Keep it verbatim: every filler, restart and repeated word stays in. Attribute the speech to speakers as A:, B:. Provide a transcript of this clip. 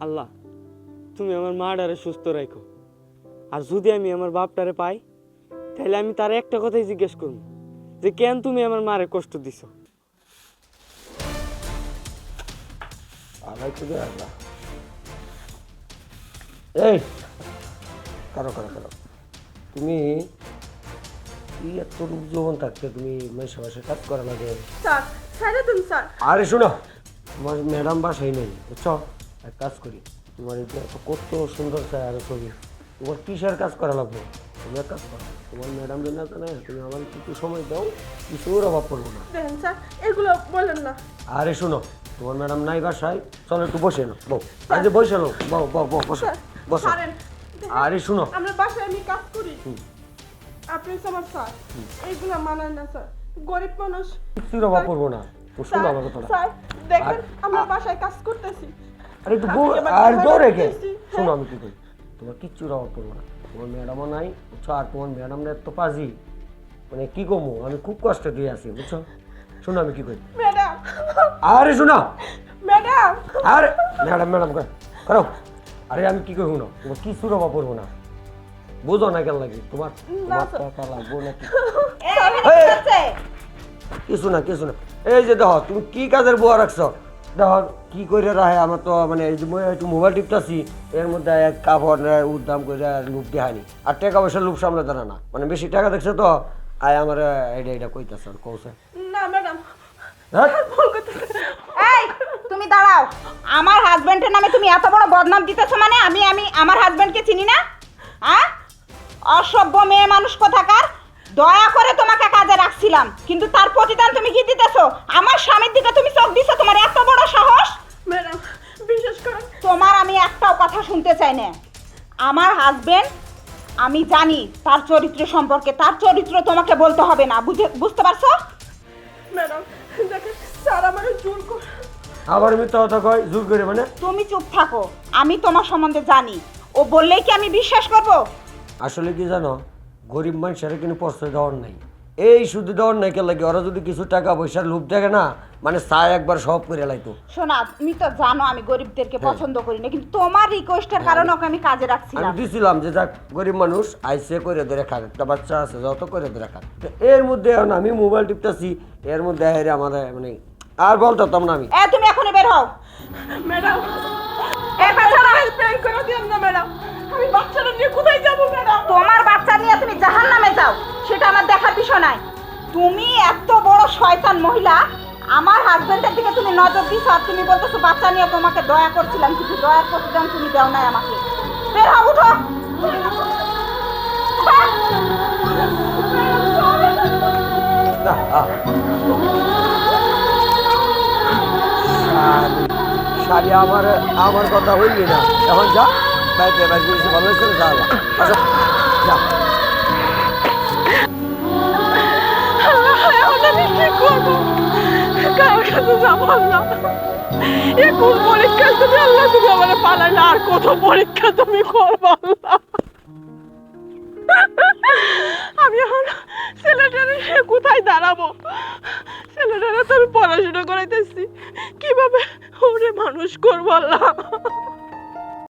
A: আল্লাহ তুমি আমার মাটারে সুস্থ রাখো, আর যদি আমি আমার বাপটারে পাই তাহলে আমি তার একটা কথাই জিজ্ঞেস করব যে কেন তুমি আমার মারে কষ্ট দিছো।
B: আলাই তো আল্লাহ এই কারো কারো কারো তুমি তুই এত রূপ যৌবন থাকতে তুমি মেশে মাসে কাজ করা লাগে।
C: স্যার স্যার তুমি স্যার
B: আরে শোনো, তোমার ম্যাডাম বাসাই নেই বুঝছো, এক কাজ করি, তোমার এই যে এত কত সুন্দর চাই আর ছবি, তোমার কিসের কাজ করা লাগবে, তুমি এক কাজ করো, তোমার ম্যাডাম যদি না জানে তুমি আমার কিছু সময় দাও, কিছুর অভাব পড়বো না।
C: দেখেন স্যার এগুলো বলেন না।
B: আরে শোনো, তোমার ম্যাডাম নাই বাসায়, চলো একটু বসে নাও, বউ আরে বসে নাও, বউ বউ বউ বসো বসো।
C: ছাড়েন।
B: আরে শোনো,
C: আমরা বাসায় আমি কাজ করি, আপনি হচ্ছে আমার স্যার, এইগুলো মানায় না স্যার, গরিব মানুষ।
B: কিছুর অভাব পড়বো না, তো শোনো আমার কথাটা।
C: স্যার দেখেন আমরা বাসায় কাজ করতেছি।
B: আরে একটু বউ আর জোর রেখে শোনো, আমি কি করি, তোমার কিচ্ছুর অভাব পড়বো না, তোমার ম্যাডামও নাই বুঝছো, আর তোমার ম্যাডামরা এত পাজি, মানে কি কমো, আমি খুব কষ্ট দিয়ে আসি বুঝছো। শোনো আমি কি করি,
C: ম্যাডাম
B: আরে শোনো,
C: ম্যাডাম
B: আরে ম্যাডাম ম্যাডাম করো, আরে আমি কি করবো না, তোমার কিছুর অভাব পড়বো না, বুঝো না কেন লাগে তোমার, তোমার টাকা লাগবো নাকি, কিছু না কিছু না। এই যে দেখো তুমি কি কাজের বুয়া রাখছো, দেখো কি করে রাখে, আমার তো মানে এই যে একটু মোবাইল টিপটাছি, এর মধ্যে এক কাপড় উদ্দাম করে লুপ দেখানি, আর টাকা পয়সা লুপ সামনে দাঁড়া না, মানে বেশি টাকা দেখছে তো আয় আমার এইটা এইটা কইতাছে আর কৌছে
C: না ম্যাডাম।
B: হ্যাঁ
D: এই তুমি দাঁড়াও, আমার হাজবেন্ডের নামে তুমি এত বড় বদনাম দিতেছো, মানে আমি আমি আমার হাজবেন্ডকে চিনি না? হ্যাঁ, অসভ্য মেয়ে মানুষ কোথাকার, দয়া করে তোমাকে কাজে রাখছিলাম, কিন্তু তার প্রতিদান তুমি কি দিতেছো? আমার স্বামীর দিকে তুমি চোখ দিছো, তোমার এত বড় সাহস?
C: ম্যাডাম বিশেষ করে
D: তোমার আমি একটাও কথা শুনতে চাই না। আমার হাজবেন্ড আমি জানি তার চরিত্র সম্পর্কে, তার চরিত্র তোমাকে বলতে হবে না, বুঝে বুঝতে পারছো?
C: ম্যাডাম দেখেন স্যার আমার জোর করে।
B: আবার মিথ্যা কথা কয় জোর করে, মানে
D: তুমি চুপ থাকো, আমি তোমার সম্বন্ধে জানি, ও বললেই কি আমি বিশ্বাস করব?
B: আসলে কি জানো, গরিব মানুষের কিন্তু প্রশ্রয় দেওয়ার নাই, এই শুধু দেওয়ার নাই কে লাগে, ওরা যদি কিছু টাকা পয়সার লোভ দেখে না, মানে চায় একবার সব করে লাইতো।
D: শোনা, তুমি তো জানো আমি গরিবদেরকে পছন্দ করি না, কিন্তু তোমার রিকোয়েস্টের কারণে ওকে আমি কাজে
B: আমি
D: রাখছিলাম।
B: দিছিলাম যে যাক গরিব মানুষ আইসে করে ধরে খাক, একটা বাচ্চা আছে যত করে ধরে খাক, তো এর মধ্যে এখন আমি মোবাইল টিপতেছি, এর মধ্যে হেরে আমাদের মানে আর বলতাম না আমি।
D: এ তুমি এখনই বের হও।
C: ম্যাডাম
D: এ বাচ্চারা,
C: প্র্যাঙ্ক করে দিন না ম্যাডাম, আমি বাচ্চাটা নিয়ে কোথায় যাব ম্যাডাম?
D: তোমার বাচ্চা নিয়ে তুমি জাহান্নামে যাও, সেটা আমার দেখার বিষয় নাই। তুমি এত বড় শয়তান মহিলা, আমার হাজবেন্ডের দিকে তুমি নজর দিছো আর তুমি বলতেছো বাচ্চা নিয়ে তোমাকে দয়া করছিলাম, কিন্তু দয়ার প্রতিদান তুমি দাও নাই আমাকে। বের হও, উঠো।
B: না, আহ। শালি, শালি আমার আমার কথা হইলি না, এখন যা বাইরে বাইরে জিনিস ভালো করে যা, আচ্ছা যা।
C: এখন আমি কি করবো, কারোর কাছে যাবো না, এ কোন পরীক্ষা তুমি আল্লাহ, তুমি আমার পালাইলে আর কত পরীক্ষা তুমি করবো আল্লাহ। আমি এখন ছেলেটারে কোথায় দাঁড়াবো, ছেলেটারে তো আমি পড়াশোনা করাইতেছি, কিভাবে ওরে মানুষ করবো আল্লাহ।